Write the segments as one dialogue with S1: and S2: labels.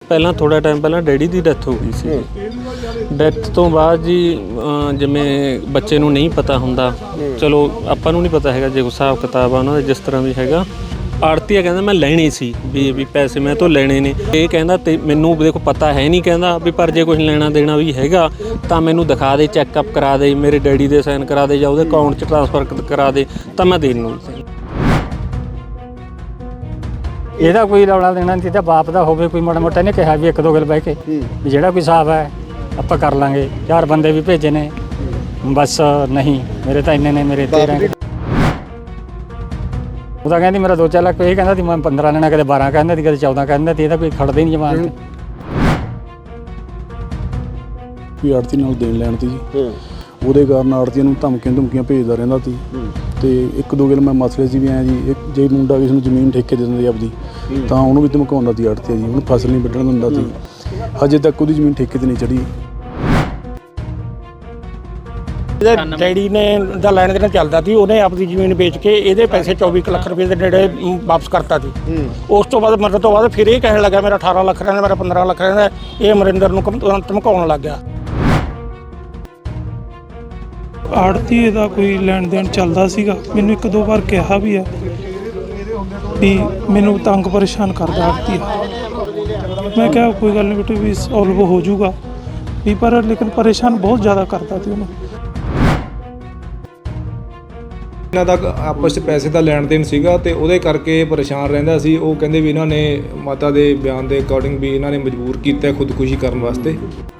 S1: ਪਹਿਲਾਂ ਥੋੜ੍ਹਾ ਟਾਈਮ ਪਹਿਲਾਂ ਡੈਡੀ ਦੀ ਡੈਥ ਹੋ ਗਈ ਸੀ। ਡੈਥ ਤੋਂ ਬਾਅਦ ਜੀ ਜਿਵੇਂ ਬੱਚੇ ਨੂੰ ਨਹੀਂ ਪਤਾ ਹੁੰਦਾ, ਚਲੋ ਆਪਾਂ ਨੂੰ ਨਹੀਂ ਪਤਾ ਹੈਗਾ ਜੇ ਹਿਸਾਬ ਕਿਤਾਬ ਆ ਉਹਨਾਂ ਦਾ ਜਿਸ ਤਰ੍ਹਾਂ ਵੀ ਹੈਗਾ। ਆੜਤੀਆ ਕਹਿੰਦਾ ਮੈਂ ਲੈਣੇ ਸੀ ਵੀ ਪੈਸੇ ਮੈਂ ਤੋਂ ਲੈਣੇ ਨੇ। ਇਹ ਕਹਿੰਦਾ ਤੇ ਮੈਨੂੰ ਦੇਖੋ ਪਤਾ ਹੈ ਨਹੀਂ, ਕਹਿੰਦਾ ਵੀ ਪਰ ਜੇ ਕੁਝ ਲੈਣਾ ਦੇਣਾ ਵੀ ਹੈਗਾ ਤਾਂ ਮੈਨੂੰ ਦਿਖਾ ਦੇ, ਚੈੱਕਅਪ ਕਰਾ ਦੇ, ਮੇਰੇ ਡੈਡੀ ਦੇ ਸਾਈਨ ਕਰਾ ਦੇ ਜਾਂ ਉਹਦੇ ਅਕਾਊਂਟ 'ਚ ਟ੍ਰਾਂਸਫਰ ਕਰਾ ਦੇ ਤਾਂ ਮੈਂ ਦੇਣ ਨੂੰ।
S2: ਇਹਦਾ ਕੋਈ ਰੌਲਾ ਦੇਣਾ ਨਹੀਂ ਚਾਹੀਦਾ, ਬਾਪ ਦਾ ਹੋਵੇ ਕੋਈ ਮਾੜਾ ਮੋਟਾ। ਇਹਨੇ ਕਿਹਾ ਵੀ ਇੱਕ ਦੋ ਗੱਲ ਬਹਿ ਕੇ ਵੀ ਜਿਹੜਾ ਕੋਈ ਹਿਸਾਬ ਹੈ ਆਪਾਂ ਕਰ ਲਾਂਗੇ। 4 ਬੰਦੇ ਵੀ ਭੇਜੇ ਨੇ, ਬਸ ਨਹੀਂ ਮੇਰੇ ਤਾਂ ਇੰਨੇ ਨੇ, ਮੇਰੇ 13। ਉਹ ਤਾਂ ਕਹਿੰਦੀ ਮੇਰਾ 2-4 ਲੱਖ। ਇਹ ਕਹਿੰਦਾ ਸੀ ਮੈਂ 15 ਲੈਣਾ, ਕਦੇ 12 ਕਹਿੰਦਾ ਸੀ, ਕਦੇ 14 ਕਹਿੰਦਾ ਸੀ। ਇਹਦਾ ਕੋਈ ਖੜਦਾ ਹੀ ਨਹੀਂ ਜਮਾਨ ਤੇ।
S3: ਵੀ ਆੜਤੀ ਨਾਲ ਦੇਣ ਲੈਣ ਤੀ ਜੀ, ਉਹਦੇ ਕਾਰਨ ਆੜਤੀਆਂ ਨੂੰ ਧਮਕੀਆਂ ਭੇਜਦਾ ਰਹਿੰਦਾ ਸੀ। ਤੇ ਇੱਕ ਦੋ ਗੱਲ ਮੈਂ ਮਸਲੇ ਸੀ ਵੀ ਐਂ ਜੀ, ਜੇ ਮੁੰਡਾ ਕਿਸੇ ਨੂੰ ਜ਼ਮੀਨ ਠੇਕੇ ਦੇ ਦਿੰਦਾ ਆਪਦੀ ਤਾਂ ਉਹਨੂੰ ਵੀ ਧਮਕਾਉਂਦਾ ਸੀ ਆੜਤੀਆ ਜੀ। ਉਹਨੂੰ ਫਸਲ ਨਹੀਂ ਵੱਢਣ ਦਿੰਦਾ ਸੀ। ਹਜੇ ਤੱਕ ਉਹਦੀ ਜ਼ਮੀਨ ਠੇਕੇ 'ਤੇ ਨਹੀਂ ਚੜ੍ਹੀ।
S4: ਡੈਡੀ ਨੇ ਦਾ ਲੈਣ ਦੇਣ ਚੱਲਦਾ ਸੀ, ਉਹਨੇ ਆਪਣੀ ਜ਼ਮੀਨ ਵੇਚ ਕੇ ਇਹਦੇ ਪੈਸੇ 24 ਲੱਖ ਰੁਪਏ ਦੇ ਨੇੜੇ ਵਾਪਸ ਕਰਤਾ ਸੀ। ਉਸ ਤੋਂ ਬਾਅਦ ਮਰਨ ਤੋਂ ਬਾਅਦ ਫਿਰ ਇਹ ਕਹਿਣ ਲੱਗਾ ਮੇਰਾ 18 ਲੱਖ ਰਹਿੰਦਾ, ਮੇਰਾ 15 ਲੱਖ ਰਹਿੰਦਾ। ਇਹ ਅਮਰਿੰਦਰ ਨੂੰ ਧਮਕਾਉਣ ਲੱਗ ਗਿਆ।
S5: ਆੜਤੀ ਦਾ ਕੋਈ ਲੈਣ ਦੇਣ ਚੱਲਦਾ ਸੀਗਾ। ਮੈਨੂੰ 1-2 ਵਾਰ ਕਿਹਾ ਵੀ ਹੈ ਵੀ ਮੈਨੂੰ ਤੰਗ ਪਰੇਸ਼ਾਨ ਕਰਦਾ ਆੜਤੀ। ਮੈਂ ਕਿਹਾ ਕੋਈ ਗੱਲ ਨਹੀਂ ਬੇਟੇ ਵੀ ਸੋਲਵ ਹੋ ਜਾਊਗਾ ਵੀ, ਪਰ ਲੇਕਿਨ ਪਰੇਸ਼ਾਨ ਬਹੁਤ ਜ਼ਿਆਦਾ ਕਰਦਾ ਸੀ ਉਹਨੂੰ।
S6: ਇਹਨਾਂ ਦਾ ਆਪਸ 'ਚ ਪੈਸੇ ਦਾ ਲੈਣ ਦੇਣ ਸੀਗਾ ਤੇ ਉਹਦੇ ਕਰਕੇ ਪਰੇਸ਼ਾਨ ਰਹਿੰਦਾ ਸੀ। ਉਹ ਕਹਿੰਦੇ ਵੀ ਇਹਨਾਂ ਨੇ ਮਾਤਾ ਦੇ ਬਿਆਨ ਦੇ ਅਕੋਰਡਿੰਗ ਵੀ ਇਹਨਾਂ ਨੇ ਮਜਬੂਰ ਕੀਤਾ ਖੁਦਕੁਸ਼ੀ ਕਰਨ ਵਾਸਤੇ।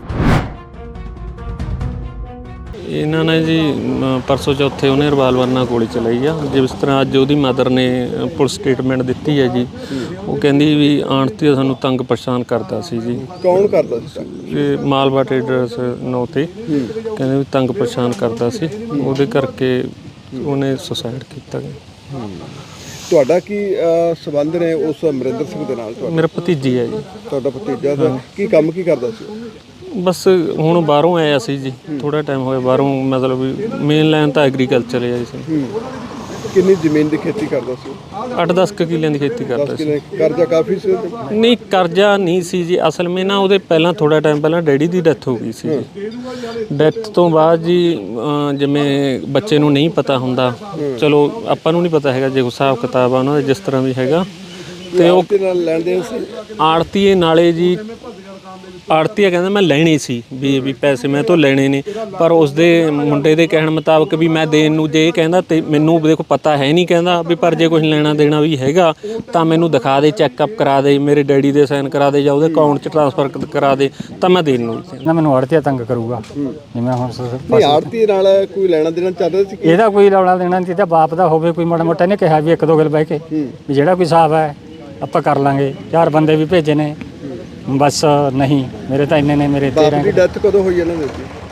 S1: ਇਹਨਾਂ ਨੇ ਜੀ ਪਰਸੋਂ ਚੌਥੇ ਉਹਨੇ ਰਿਵਾਲਵਰ ਨਾਲ ਗੋਲੀ ਚਲਾਈ ਆ। ਜਿਸ ਤਰ੍ਹਾਂ ਅੱਜ ਉਹਦੀ ਮਦਰ ਨੇ ਪੁਲਿਸ ਸਟੇਟਮੈਂਟ ਦਿੱਤੀ ਹੈ ਜੀ। ਉਹ ਕਹਿੰਦੀ ਵੀ ਆਂਟੀ ਸਾਨੂੰ ਤੰਗ ਪਰੇਸ਼ਾਨ ਕਰਦਾ ਸੀ ਜੀ।
S7: ਕੌਣ ਕਰਦਾ ਸੀ?
S1: ਇਹ ਮਾਲਵਾ ਟ੍ਰੇਡਰਸ ਨਾਂ 'ਤੇ ਕਹਿੰਦੇ ਵੀ ਤੰਗ ਪਰੇਸ਼ਾਨ ਕਰਦਾ ਸੀ, ਉਹਦੇ ਕਰਕੇ ਉਹਨੇ ਸੁਸਾਈਡ ਕੀਤਾ ਗਿਆ।
S7: ਤੁਹਾਡਾ ਕੀ ਸੰਬੰਧ ਨੇ ਉਸ ਅਮਰਿੰਦਰ ਸਿੰਘ ਦੇ ਨਾਲ?
S1: ਮੇਰਾ ਭਤੀਜੀ ਹੈ ਜੀ।
S7: ਤੁਹਾਡਾ ਭਤੀਜਾ ਦਾ ਕੀ ਕੰਮ ਕੀ ਕਰਦਾ ਸੀ?
S1: ਬਸ ਹੁਣ ਬਾਹਰੋਂ ਆਇਆ ਸੀ ਜੀ, ਥੋੜ੍ਹਾ ਟਾਈਮ ਹੋਇਆ ਬਾਹਰੋਂ, ਮਤਲਬ ਵੀ ਮੇਨ ਲਾਈਨ ਤਾਂ ਐਗਰੀਕਲਚਰ ਹੈ ਜੀ।
S7: ਕਿੰਨੀ ਜ਼ਮੀਨ ਦੀ ਖੇਤੀ ਕਰਦਾ ਸੀ?
S1: 8-10 ਕਿੱਲਿਆਂ ਦੀ ਖੇਤੀ ਕਰਦਾ ਸੀ।
S7: ਕਰਜ਼ਾ ਕਾਫੀ ਸੀ?
S1: ਨਹੀਂ ਕਰਜ਼ਾ ਨਹੀਂ ਸੀ ਜੀ। ਅਸਲ ਵਿੱਚ ਨਾ ਉਹਦੇ ਪਹਿਲਾਂ ਥੋੜ੍ਹਾ ਟਾਈਮ ਪਹਿਲਾਂ ਡੈਡੀ ਦੀ ਡੈਥ ਹੋ ਗਈ ਸੀ ਜੀ। ਡੈਥ ਤੋਂ ਬਾਅਦ ਜੀ ਜਿਵੇਂ ਬੱਚੇ ਨੂੰ ਨਹੀਂ ਪਤਾ ਹੁੰਦਾ, ਚਲੋ ਆਪਾਂ ਨੂੰ ਨਹੀਂ ਪਤਾ ਹੈਗਾ ਜੇ ਹਿਸਾਬ ਕਿਤਾਬ ਆ ਉਹਨਾਂ ਦਾ ਜਿਸ ਤਰ੍ਹਾਂ ਵੀ ਹੈਗਾ। ਤੇ ਉਹ
S7: ਲੈਣ ਦੇਣ ਸੀ
S1: ਆੜਤੀਏ ਨਾਲੇ ਜੀ। ਆੜਤੀਆ ਕਹਿੰਦਾ ਮੈਂ ਲੈਣੇ ਸੀ ਵੀ ਪੈਸੇ ਮੈਂ ਤੋਂ ਲੈਣੇ ਨੇ, ਪਰ ਉਸਦੇ ਮੁੰਡੇ ਦੇ ਕਹਿਣ ਮੁਤਾਬਕ ਵੀ ਮੈਂ ਦੇਣ ਨੂੰ। ਜੇ ਇਹ ਕਹਿੰਦਾ ਤੇ ਮੈਨੂੰ ਦੇਖੋ ਪਤਾ ਹੈ ਨਹੀਂ, ਕਹਿੰਦਾ ਵੀ ਪਰ ਜੇ ਕੁਝ ਲੈਣਾ ਦੇਣਾ ਵੀ ਹੈਗਾ ਤਾਂ ਮੈਨੂੰ ਦਿਖਾ ਦੇ, ਚੈੱਕਅਪ ਕਰਾ ਦੇ, ਮੇਰੇ ਡੈਡੀ ਦੇ ਸਾਈਨ ਕਰਾ ਦੇ ਜਾਂ ਉਹਦੇ ਅਕਾਊਂਟ 'ਚ ਟ੍ਰਾਂਸਫਰ ਕਰਾ ਦੇ ਤਾਂ ਮੈਂ ਦੇਣ ਨੂੰ।
S2: ਨਾ ਮੈਨੂੰ ਆੜਤੀਆ ਤੰਗ ਕਰੂਗਾ ਜਿਵੇਂ ਹੁਣ
S7: ਆੜਤੀ ਨਾਲ ਕੋਈ ਲੈਣਾ ਦੇਣਾ ਚੱਲ ਰਿਹਾ ਸੀ?
S2: ਇਹਦਾ ਕੋਈ ਰੌਲਾ ਦੇਣਾ ਨਹੀਂ ਚਾਹੀਦਾ, ਬਾਪ ਦਾ ਹੋਵੇ ਕੋਈ ਮਾੜਾ ਮੋਟਾ। ਇਹਨੇ ਕਿਹਾ ਵੀ 1-2 ਗੱਲ ਬਹਿ ਕੇ ਵੀ ਜਿਹੜਾ ਕੋਈ ਹਿਸਾਬ ਹੈ ਆਪਾਂ ਕਰ ਲਾਂਗੇ। 4 ਬੰਦੇ ਵੀ ਭੇਜੇ ਨੇ, ਬਸ ਨਹੀਂ ਮੇਰੇ ਤਾਂ ਇੰਨੇ ਨੇ, ਮੇਰੇ 13।
S7: ਬਾਪ ਦੀ ਡੈਥ ਕਦੋਂ ਹੋਈ ਇਹਨਾਂ ਦੀ?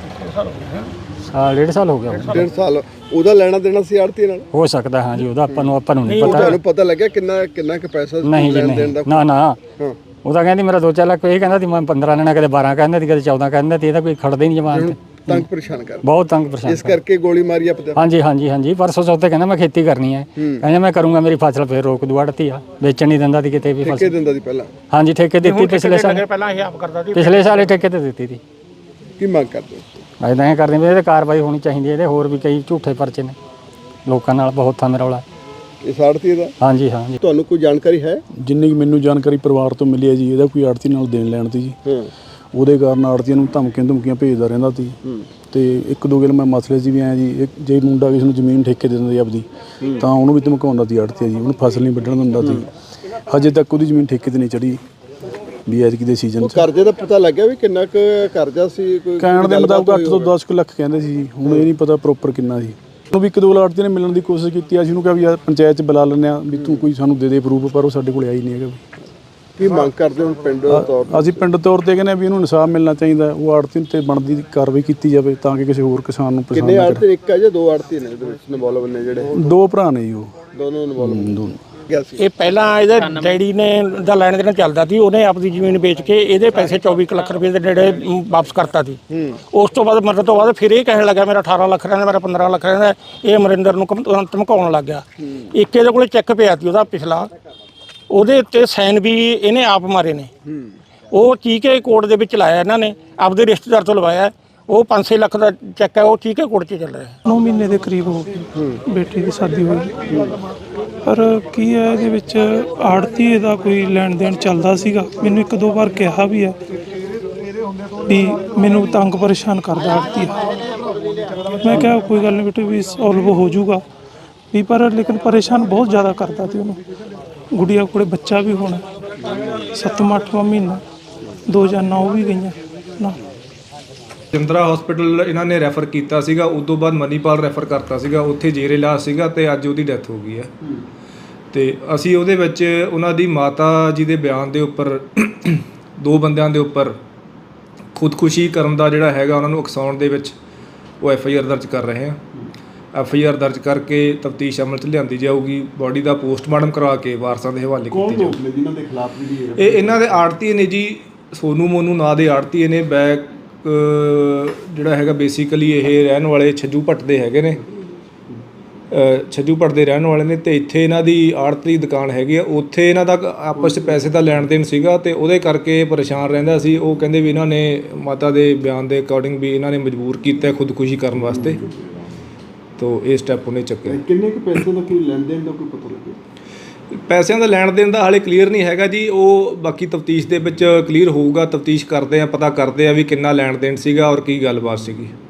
S2: 1.5 ਸਾਲ ਹੋ ਗਿਆ।
S7: 1.5 ਸਾਲ। ਉਹਦਾ ਲੈਣਾ ਦੇਣਾ ਸੀ ਆੜਤੀ ਨਾਲ?
S2: ਹੋ ਸਕਦਾ ਹਾਂ ਜੀ, ਉਹਦਾ ਆਪਾਂ ਨੂੰ ਨਹੀਂ ਪਤਾ।
S7: ਤੁਹਾਨੂੰ ਪਤਾ ਲੱਗਿਆ ਕਿੰਨਾ ਕੁ ਪੈਸਾ
S2: ਨਹੀਂ ਜੀ, ਨਾ ਉਹ ਤਾਂ ਕਹਿੰਦੀ ਮੇਰਾ 2-4 ਲੱਖ। ਇਹ ਕਹਿੰਦਾ ਸੀ ਮੈਂ 15 ਲੈਣਾ, ਕਦੇ 12 ਕਹਿੰਦਾ ਸੀ, ਕਦੇ 14 ਕਹਿੰਦਾ ਸੀ। ਇਹਦਾ ਕੋਈ ਖੜਦਾ ਹੀ ਨਹੀਂ ਜਮਾਨ ਤੇ।
S7: ਤੰਗ ਪਰੇਸ਼ਾਨ ਕਰ,
S2: ਬਹੁਤ ਤੰਗ ਪਰੇਸ਼ਾਨ।
S7: ਇਸ ਕਰਕੇ ਗੋਲੀ ਮਾਰੀ ਆਪਦੇ?
S2: ਹਾਂਜੀ। ਪਰਸੋਂ ਚੌਥੇ ਕਹਿੰਦਾ ਮੈਂ ਖੇਤੀ ਕਰਨੀ ਹੈ, ਕਹਿੰਦਾ ਮੈਂ ਕਰੂੰਗਾ, ਮੇਰੀ ਫਸਲ ਫੇਰ ਰੋਕ ਦੂ। ਆੜਤੀ ਆ, ਵੇਚਣ ਨਹੀਂ ਦਿੰਦਾ ਸੀ ਕਿਤੇ ਵੀ।
S7: ਠੇਕੇ ਦਿੰਦਾ ਸੀ ਪਹਿਲਾਂ?
S2: ਹਾਂਜੀ ਠੇਕੇ ਦਿੱਤੀ ਪਿਛਲੇ ਸਾਲ।
S4: ਪਹਿਲਾਂ ਇਹ ਆਪ ਕਰਦਾ ਸੀ,
S2: ਪਿਛਲੇ ਸਾਲ ਠੇਕੇ ਤੇ ਦਿੱਤੀ ਸੀ।
S7: ਕੀ ਮੰਗ ਕਰਦੇ ਹੋ?
S2: ਐਦਾਂ ਕਰਦੇ ਵੀ ਇਹਦੇ ਕਾਰਵਾਈ ਹੋਣੀ ਚਾਹੀਦੀ ਹੈ। ਇਹਦੇ ਹੋਰ ਵੀ ਕਈ ਝੂਠੇ ਪਰਚੇ ਨੇ ਲੋਕਾਂ ਨਾਲ, ਬਹੁਤ ਥਾਂ ਰੌਲਾ।
S7: ਇਸ ਆੜਤੀ ਦਾ?
S2: ਹਾਂਜੀ।
S7: ਤੁਹਾਨੂੰ ਕੋਈ ਜਾਣਕਾਰੀ ਹੈ?
S3: ਜਿੰਨੀ ਕੁ ਮੈਨੂੰ ਜਾਣਕਾਰੀ ਪਰਿਵਾਰ ਤੋਂ ਮਿਲੀ ਹੈ ਜੀ, ਇਹਦਾ ਕੋਈ ਆੜਤੀ ਨਾਲ ਦੇਣ ਲੈਣ ਤੀ ਜੀ। ਉਹਦੇ ਕਾਰਨ ਆੜਤੀਆਂ ਨੂੰ ਧਮਕੀਆਂ ਭੇਜਦਾ ਰਹਿੰਦਾ ਸੀ। ਤੇ ਇੱਕ ਦੋ ਗੱਲ ਮੈਂ ਮਸਲੇ ਸੀ ਵੀ ਐਂ ਜੀ, ਜੇ ਮੁੰਡਾ ਕਿਸੇ ਨੂੰ ਜ਼ਮੀਨ ਠੇਕੇ ਦੇ ਦਿੰਦਾ ਆਪਦੀ ਤਾਂ ਉਹਨੂੰ ਵੀ ਧਮਕਾਉਂਦਾ ਸੀ ਆੜਤੀਆ ਜੀ। ਉਹਨੂੰ ਫਸਲ ਨਹੀਂ ਵੱਢਣ ਦਿੰਦਾ ਸੀ। ਹਜੇ ਤੱਕ ਉਹਦੀ ਜ਼ਮੀਨ ਠੇਕੇ 'ਤੇ ਨਹੀਂ ਚੜ੍ਹੀ ਵੀ ਐਤਕੀ ਦੇ ਸੀਜ਼ਨ 'ਚ।
S7: ਕਰਜ਼ੇ ਦਾ ਪਤਾ ਲੱਗਿਆ ਵੀ ਕਿੰਨਾ ਕੁ ਕਰਜ਼ਾ ਸੀ? ਕੋਈ
S3: ਕਹਿਣ ਦੇ ਮੁਤਾਬਕ 8 ਤੋਂ 10 ਲੱਖ ਕਹਿੰਦੇ ਸੀ ਜੀ। ਹੁਣ ਇਹ ਨਹੀਂ ਪਤਾ ਪ੍ਰੋਪਰ ਕਿੰਨਾ ਸੀ। ਉਹਨੂੰ ਵੀ 1-2 ਆੜਤੀ ਨੇ ਮਿਲਣ ਦੀ ਕੋਸ਼ਿਸ਼ ਕੀਤੀ। ਅਸੀਂ ਉਹਨੂੰ ਕਿਹਾ ਵੀ ਯਾਰ ਪੰਚਾਇਤ 'ਚ ਬੁਲਾ ਲੈਂਦੇ ਹਾਂ ਵੀ ਤੂੰ ਕੋਈ ਸਾਨੂੰ ਦੇ ਪ੍ਰੂਫ, ਪਰ ਉਹ ਸਾਡੇ ਕੋਲ ਆਈ ਨਹੀਂ ਹੈਗਾ।
S7: ਕੀ ਮੰਗ ਕਰਦੇ ਹੋ ਪਿੰਡ ਤੌਰ ਤੇ?
S3: ਅਸੀਂ ਪਿੰਡ ਤੌਰ ਤੇ ਕਹਿੰਦੇ ਵੀ ਇਹਨੂੰ ਇਨਸਾਫ ਮਿਲਣਾ ਚਾਹੀਦਾ। ਉਹ ਆੜਤੀ ਤੇ ਬਣਦੀ ਕਾਰਵਾਈ ਕੀਤੀ ਜਾਵੇ ਤਾਂ ਕਿ ਕਿਸੇ ਹੋਰ ਕਿਸਾਨ ਨੂੰ ਪਰੇਸ਼ਾਨ ਨਾ ਕਰੇ।
S7: ਕਿੰਨੇ ਆੜਤੀ? ਇੱਕ ਹੈ ਜਾਂ 2 ਆੜਤੀ ਨੇ ਇਹਦੇ ਵਿੱਚ ਇਨਵੋਲਵ ਨੇ? ਜਿਹੜੇ
S3: 2 ਭਰਾ ਨੇ ਜੀ, ਉਹ
S7: ਦੋਨੋਂ ਇਨਵੋਲਵ।
S4: ਇਹ ਪਹਿਲਾਂ ਇਹਦੇ ਡੈਡੀ ਨੇ ਦਾ ਲੈਣ ਦੇਣ ਚੱਲਦਾ ਸੀ, ਉਹਨੇ ਆਪਣੀ ਜ਼ਮੀਨ ਵੇਚ ਕੇ ਇਹਦੇ ਪੈਸੇ 24 ਲੱਖ ਰੁਪਏ ਦੇ ਨੇੜੇ ਵਾਪਸ ਕਰਤਾ ਸੀ। ਉਸ ਤੋਂ ਬਾਅਦ ਮਰਨ ਤੋਂ ਬਾਅਦ ਫਿਰ ਇਹ ਕਹਿਣ ਲੱਗਾ ਮੇਰਾ 18 ਲੱਖ ਰਹਿੰਦਾ, ਮੇਰਾ 15 ਲੱਖ ਰਹਿੰਦਾ। ਇਹ ਅਮਰਿੰਦਰ ਨੂੰ ਧਮਕਾਉਣ ਲੱਗ ਗਿਆ। ਇੱਕ ਇਹਦੇ ਕੋਲੇ ਚੈੱਕ ਪਿਆ ਸੀ ਉਹਦਾ ਪਿਛਲਾ, ਉਹਦੇ ਉੱਤੇ ਸਾਈਨ ਵੀ ਇਹਨੇ ਆਪ ਮਾਰੇ ਨੇ। ਉਹ ਚੀਕੇ ਕੋਰਟ ਦੇ ਵਿੱਚ ਲਾਇਆ ਇਹਨਾਂ ਨੇ, ਆਪਦੇ ਰਿਸ਼ਤੇਦਾਰ ਤੋਂ ਲਵਾਇਆ। ਉਹ 5-6 ਲੱਖ ਦਾ ਚੈੱਕ ਹੈ, ਉਹ ਚੀਕੇ ਕੋਰਟ 'ਚ ਚੱਲ ਰਿਹਾ।
S5: 9 ਮਹੀਨੇ ਦੇ ਕਰੀਬ ਹੋ ਗਏ ਬੇਟੀ ਦੀ ਸ਼ਾਦੀ ਹੋਈ। ਪਰ ਕੀ ਹੈ ਇਹਦੇ ਵਿੱਚ ਆੜਤੀ ਦਾ ਕੋਈ ਲੈਣ ਦੇਣ ਚੱਲਦਾ ਸੀਗਾ। ਮੈਨੂੰ ਇੱਕ ਦੋ ਵਾਰ ਕਿਹਾ ਵੀ ਹੈ ਵੀ ਮੈਨੂੰ ਤੰਗ ਪਰੇਸ਼ਾਨ ਕਰਦਾ ਆੜਤੀ। ਮੈਂ ਕਿਹਾ ਕੋਈ ਗੱਲ ਨਹੀਂ ਬੇਟੇ ਵੀ ਸੋਲਵ ਹੋ ਜਾਊਗਾ ਵੀ, ਪਰ ਲੇਕਿਨ ਪਰੇਸ਼ਾਨ ਬਹੁਤ ਜ਼ਿਆਦਾ ਕਰਦਾ ਸੀ ਉਹਨੂੰ। ਗੁੜੀਆ ਕੋਲੇ ਬੱਚਾ ਵੀ ਹੋਣਾ 7ਵਾਂ ਮਹੀਨਾ, 2 ਜਾਨਾਂ ਉਹ ਵੀ ਗਈਆਂ ਨਾ।
S6: ਜਿੰਦਰਾ ਹਸਪੀਟਲ ਇਹਨਾਂ ਨੇ ਰੈਫਰ ਕੀਤਾ ਸੀਗਾ, ਉਸ ਤੋਂ ਬਾਅਦ ਮਨੀਪਾਲ ਰੈਫਰ ਕਰਤਾ ਸੀਗਾ, ਉੱਥੇ ਜੇਰੇ ਇਲਾਜ ਸੀਗਾ ਤੇ ਅੱਜ ਉਹਦੀ ਡੈਥ ਹੋ ਗਈ ਹੈ। ਤੇ ਅਸੀਂ ਉਹਦੇ ਵਿੱਚ ਉਹਨਾਂ ਦੀ ਮਾਤਾ ਜੀ ਦੇ ਬਿਆਨ ਦੇ ਉੱਪਰ 2 ਬੰਦਿਆਂ ਦੇ ਉੱਪਰ ਖੁਦਕੁਸ਼ੀ ਕਰਨ ਦਾ ਜਿਹੜਾ ਹੈਗਾ ਉਹਨਾਂ ਨੂੰ ਉਕਸਾਉਣ ਦੇ ਵਿੱਚ ਉਹ FIR ਦਰਜ ਕਰ ਰਹੇ ਹਾਂ। FIR ਦਰਜ ਕਰਕੇ ਤਫਤੀਸ਼ ਅਮਲ 'ਚ ਲਿਆਂਦੀ ਜਾਊਗੀ। ਬੋਡੀ ਦਾ ਪੋਸਟਮਾਰਟਮ ਕਰਵਾ ਕੇ ਵਾਰਸਾਂ ਦੇ ਹਵਾਲੇ ਕੀਤੀ ਜਾਊਗੀ।
S7: ਜਿਨ੍ਹਾਂ ਦੇ ਖਿਲਾਫ ਜਿਹੜੀ
S6: ਇਹ ਇਹਨਾਂ ਦੇ ਆੜਤੀਏ ਨੇ ਜੀ, ਸੋਨੂ ਮੋਨੂ ਨਾਂ ਦੇ ਆੜਤੀਏ ਨੇ। ਬੈਕ ਜਿਹੜਾ ਹੈਗਾ ਬੇਸਿਕਲੀ ਇਹ ਰਹਿਣ ਵਾਲੇ ਛੱਜੂ ਭੱਟ ਦੇ ਹੈਗੇ ਨੇ, ਛੱਜੂ ਭੱਟ ਦੇ ਰਹਿਣ ਵਾਲੇ ਨੇ। ਤੇ ਇੱਥੇ ਇਹਨਾਂ ਦੀ ਆੜਤ ਦੀ ਦੁਕਾਨ ਹੈਗੀ ਆ, ਉੱਥੇ ਇਹਨਾਂ ਦਾ ਆਪਸ 'ਚ ਪੈਸੇ ਦਾ ਲੈਣ ਦੇਣ ਸੀਗਾ ਤੇ ਉਹਦੇ ਕਰਕੇ ਪਰੇਸ਼ਾਨ ਰਹਿੰਦਾ ਸੀ। ਉਹ ਕਹਿੰਦੇ ਵੀ ਇਹਨਾਂ ਨੇ ਮਾਤਾ ਦੇ ਬਿਆਨ ਦੇ ਅਕੋਰਡਿੰਗ ਵੀ ਇਹਨਾਂ ਨੇ ਮਜਬੂਰ ਕੀਤਾ ਖੁਦਕੁਸ਼ੀ ਕਰਨ ਵਾਸਤੇ, ਤੋ ਇਹ ਸਟੈਪ ਉਹਨੇ ਚੱਕਿਆ।
S7: ਕਿੰਨੇ ਕੁ ਪੈਸੇ ਦਾ ਕੋਈ ਲੈਣ ਦੇਣ ਦਾ ਕੋਈ ਪਤਾ ਲੱਗਿਆ?
S6: ਪੈਸਿਆਂ ਦਾ ਲੈਣ ਦੇਣ ਦਾ ਹਾਲੇ ਕਲੀਅਰ ਨਹੀਂ ਹੈਗਾ ਜੀ, ਉਹ ਬਾਕੀ ਤਫਤੀਸ਼ ਦੇ ਵਿੱਚ ਕਲੀਅਰ ਹੋਊਗਾ। ਤਫਤੀਸ਼ ਕਰਦੇ ਆ, ਪਤਾ ਕਰਦੇ ਆ ਵੀ ਕਿੰਨਾ ਲੈਣ ਦੇਣ ਸੀਗਾ ਔਰ ਕੀ ਗੱਲਬਾਤ ਸੀਗੀ।